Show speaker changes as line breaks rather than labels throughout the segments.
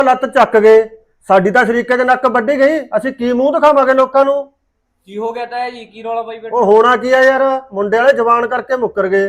ਲੱਤ ਚੱਕ ਗਏ। ਸਾਡੀ ਤਾਂ ਸ਼ਰੀਕੇ ਦੇ ਨੱਕ ਵੱਢੀ ਗਈ। ਅਸੀਂ ਕੀ ਮੂੰਹ ਦਿਖਾਵਾਂਗੇ ਲੋਕਾਂ ਨੂੰ?
ਕੀ ਹੋ ਗਿਆ ਤਾਇਆ ਜੀ? ਕੀ ਰੌਲਾ ਪਾਈ ਬੈਠੇ?
ਉਹ ਹੋਣਾ ਕੀ ਆ ਯਾਰ, ਮੁੰਡੇ ਵਾਲੇ ਜਵਾਨ ਕਰਕੇ ਮੁੱਕਰ ਗਏ।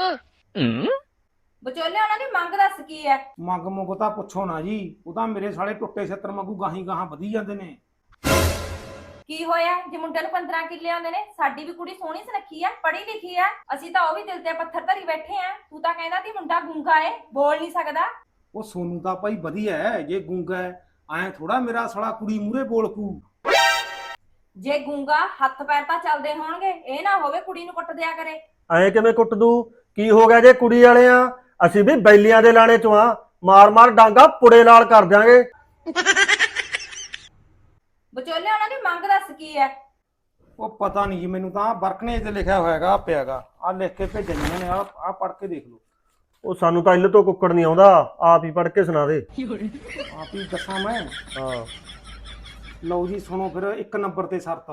ਵਿਚੋਲੇ ਉਹਨਾਂ ਦੀ ਮੰਗ ਦੱਸ ਕੀ ਹੈ?
ਮੰਗ ਮੁਗ ਤਾਂ ਪੁੱਛੋ ਨਾ ਜੀ, ਉਹ ਤਾਂ ਮੇਰੇ ਸਾਲੇ ਟੁੱਟੇ ਛੱਤਰ ਵਾਂਗੂ ਗਾਹੀਂ ਗਾਹਾਂ ਵਧੀ ਜਾਂਦੇ ਨੇ।
ਕੀ ਹੋਇਆ ਜੇ ਮੁੰਡੇ ਨੂੰ 15 ਕਿੱਲੇ ਆਉਂਦੇ ਨੇ? ਸਾਡੀ ਵੀ ਕੁੜੀ ਸੋਹਣੀ ਸੁਨੱਖੀ ਆ, ਪੜ੍ਹੀ ਲਿਖੀ ਆ, ਅਸੀਂ ਤਾਂ ਉਹ ਵੀ ਦਿਲ ਤੇ ਪੱਥਰ ਧਰੀ ਬੈਠੇ ਆ। ਤੂੰ ਤਾਂ ਕਹਿੰਦਾ ਸੀ ਮੁੰਡਾ ਗੂੰਗਾ ਏ, ਬੋਲ ਨਹੀਂ ਸਕਦਾ।
ਉਹ ਸੋਨੂੰ ਤਾਂ ਭਾਈ ਵਧੀਆ ਹੈ, ਜੇ ਗੂੰਗਾ ਹੈ ਐਂ ਥੋੜਾ ਮੇਰਾ ਸਾਲਾ ਕੁੜੀ ਮੂਹਰੇ ਬੋਲ ਕੂ।
ਜੇ ਗੂੰਗਾ ਹੱਥ ਪੈਰ ਤਾਂ ਚੱਲਦੇ ਹੋਣਗੇ, ਇਹ ਨਾ ਹੋਵੇ ਕੁੜੀ ਨੂੰ ਕੁੱਟ ਦਿਆ ਕਰੇ।
ਐਂ ਕਿਵੇਂ ਕੁੱਟ ਦੂ? ਕੀ ਹੋ ਗਿਆ ਜੇ ਕੁੜੀ ਵਾਲੇ ਆ? ਅਸੀਂ ਵੀ ਬੈਲੀਆਂ ਦੇ ਲਾਣੇ ਚੋਂ ਆ, ਮਾਰ ਮਾਰ ਡਾਂਗਾ ਪੁੜੇ ਨਾਲ ਕਰ ਦਿਆਂਗੇ।
ਵਿਚੋਲੇ ਉਹਨਾਂ ਦੀ ਮੰਗ ਦੱਸ ਕੀ ਹੈ?
ਉਹ ਪਤਾ ਨਹੀਂ ਜੀ, ਮੈਨੂੰ ਤਾਂ ਵਰਕਨੇ ਤੇ ਲਿਖਿਆ ਹੋਇਆਗਾ, ਪਿਆਗਾ ਆ ਲਿਖ ਕੇ ਭੇਜਣੀਆਂ ਨੇ। ਆ ਪੜ੍ਹ ਕੇ ਦੇਖ ਲਓ।
ਉਹ ਸਾਨੂੰ ਤਾਂ ਇੱਲ ਤੋਂ ਕੁੱਕੜ ਨਹੀਂ ਆਉਂਦਾ, ਆਪ ਹੀ ਪੜ੍ਹ ਕੇ ਸੁਣਾ ਦੇ।
ਆਪ ਹੀ ਦੱਸਾਂ ਮੈਂ?
ਹਾਂ
ਲਓ ਜੀ ਸੁਣੋ ਫਿਰ। 1 ਨੰਬਰ ਤੇ ਸ਼ਰਤ,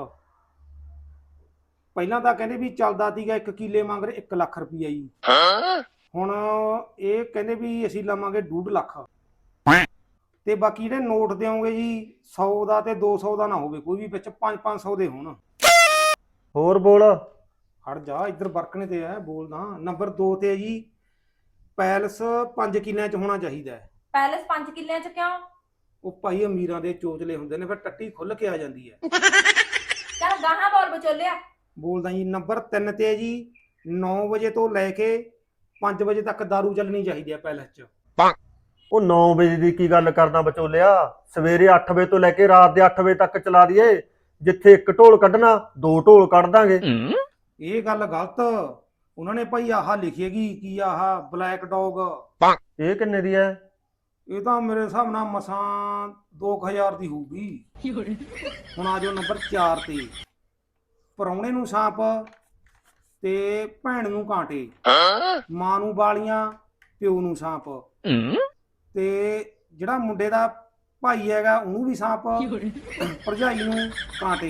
ਪਹਿਲਾਂ ਤਾਂ ਕਹਿੰਦੇ ਵੀ ਚੱਲਦਾ ਸੀਗਾ 1 ਕਿੱਲੇ ਮੰਗ ਰਹੇ 1 ਲੱਖ ਰੁਪਈਆ ਜੀ। ਹੁਣ ਇਹ ਕਹਿੰਦੇ ਵੀ ਅਸੀਂ ਲਵਾਂਗੇ 2.5 ਲੱਖ, ਤੇ ਬਾਕੀ ਜਿਹੜੇ ਨੋਟ ਦਿਓਗੇ ਜੀ 100 ਦਾ ਤੇ 200 ਦਾ ਨਾ ਹੋਵੇ ਕੋਈ ਵੀ, ਵਿੱਚ 500 ਦੇ ਹੋਣ।
ਹੋਰ ਬੋਲ।
ਹਟ ਜਾ, ਇੱਧਰ ਵਰਕਣੇ ਤੇ ਹੈ ਬੋਲਦਾ। ਨੰਬਰ 2 ਤੇ ਹੈ ਜੀ, ਪੈਲਸ 5 ਕਿੱਲਿਆਂ 'ਚ ਹੋਣਾ ਚਾਹੀਦਾ ਹੈ।
ਪੈਲਸ 5 ਕਿੱਲਿਆਂ ਚ ਕਿਉਂ?
ਉਹ ਭਾਈ ਅਮੀਰਾਂ ਦੇ ਚੋਚਲੇ ਹੁੰਦੇ ਨੇ, ਫਿਰ ਟੱਟੀ ਖੁੱਲ ਕੇ ਆ ਜਾਂਦੀ ਹੈ।
ਚੱਲ ਗਾਹਾਂ ਬੋਲ ਵਿਚੋਲਿਆ।
ਬੋਲਦਾ ਜੀ। ਨੰਬਰ 3 ਤੇ ਹੈ ਜੀ, 9 ਵਜੇ ਤੋਂ ਲੈ ਕੇ 5 ਵਜੇ ਤੱਕ ਦਾਰੂ ਚੱਲਣੀ ਚਾਹੀਦੀ ਹੈ ਪੈਲਸ 'ਚ।
ਉਹ 9 ਵਜੇ ਦੀ ਕੀ ਗੱਲ ਕਰਦਾ ਵਿਚੋਲਿਆ? ਸਵੇਰੇ 8 ਵਜੇ ਤੋਂ ਲੈ ਕੇ ਰਾਤ ਦੇ 8 ਵਜੇ ਤੱਕ ਚਲਾ ਦਈਏ। ਜਿੱਥੇ 1 ਢੋਲ ਕੱਢਣਾ 2 ਢੋਲ ਕੱਢ ਦਾਂਗੇ।
ਇਹ ਗੱਲ ਗਲਤ। ਉਹਨਾਂ ਨੇ ਭਾਈ ਆਹ ਲਿਖੀਏਗੀ ਕੀ, ਆਹ ਬਲੈਕ ਡੌਗ।
ਇਹ ਕਿੰਨੇ ਦੀ ਹੈ?
ਇਹ ਤਾਂ ਮੇਰੇ ਹਿਸਾਬ ਨਾਲ ਮਸਾਂ 2000 ਦੀ ਹੋਊਗੀ। ਹੁਣ ਆ ਜਾਓ ਨੰਬਰ 4 ਤੇ, ਪ੍ਰਾਹੁਣੇ ਨੂੰ ਸਾਂਪ ਤੇ ਭੈਣ ਨੂੰ ਕਾਂਟੇ, ਮਾਂ ਨੂੰ ਬਾਲੀਆਂ ਪਿਓ ਨੂੰ ਸਾਂਪ, ਤੇ ਜਿਹੜਾ ਮੁੰਡੇ ਦਾ ਭਾਈ ਹੈਗਾ ਉਹਨੂੰ ਵੀ ਸਾਂਪ, ਭਰਜਾਈ ਨੂੰ ਕਾਂਟੇ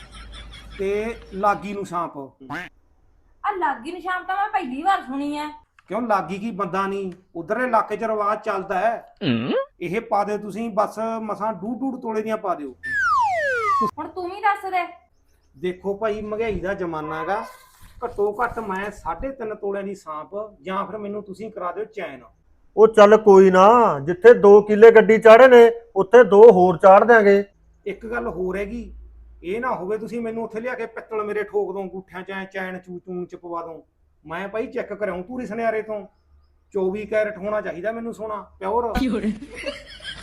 ਤੇ ਲਾਗੀ ਨੂੰ ਸਾਂਪ।
ਆ ਲਾਗੀ ਨਿਸ਼ਾਨ ਤਾਂ ਮੈਂ ਪਹਿਲੀ ਵਾਰ ਸੁਣੀ ਐ।
ਕਿਉਂ ਲਾਗੀ ਕੀ ਬੰਦਾ ਨਹੀਂ? ਉਧਰਲੇ ਇਲਾਕੇ 'ਚ ਰਿਵਾਜ ਚੱਲਦਾ ਹੈ। ਇਹ ਪਾ ਦਿਓ ਤੁਸੀਂ, ਬਸ ਮਸਾਂ 2.5 ਤੋਲੇ ਦੀਆਂ ਪਾ ਦਿਓ।
ਹੁਣ ਤੂੰ ਵੀ ਦੱਸ ਦੇ।
ਦੇਖੋ ਭਾਈ, ਮਹਿੰਗਾਈ ਦਾ ਜ਼ਮਾਨਾ ਹੈਗਾ, ਘੱਟੋ ਘੱਟ ਮੈਂ 3.5 ਤੋਲਿਆਂ ਦੀ ਸਾਂਪ, ਜਾਂ ਫਿਰ ਮੈਨੂੰ ਤੁਸੀਂ ਕਰਾ ਦਿਓ ਚੈਨ।
ਉਹ ਚੱਲ ਕੋਈ ਨਾ, ਜਿੱਥੇ 2 ਕਿੱਲੇ ਗੱਡੀ ਚਾੜੇ ਨੇ ਉੱਥੇ 2 ਹੋਰ ਚਾੜ ਦਿਆਂਗੇ।
ਇੱਕ ਗੱਲ ਹੋਰ ਹੈਗੀ, ਇਹ ਨਾ ਹੋਵੇ ਤੁਸੀਂ ਮੈਨੂੰ ਉੱਥੇ ਲਿਆ ਕੇ ਪਿੱਤਲ ਮੇਰੇ ਠੋਕ ਦੋ ਅੰਗੂਠਿਆਂ 'ਚ, ਚੈਨ ਚੂਚੂਨ 'ਚ ਪਵਾ ਦੋ। ਮੈਂ ਭਾਈ ਚੈੱਕ ਕਰਾਉਂ ਪੂਰੀ ਸੁਨਿਆਰੇ ਤੋਂ। 24 ਕੈਰਟ ਹੋਣਾ ਚਾਹੀਦਾ ਮੈਨੂੰ ਸੋਨਾ, ਪਿਓਰ।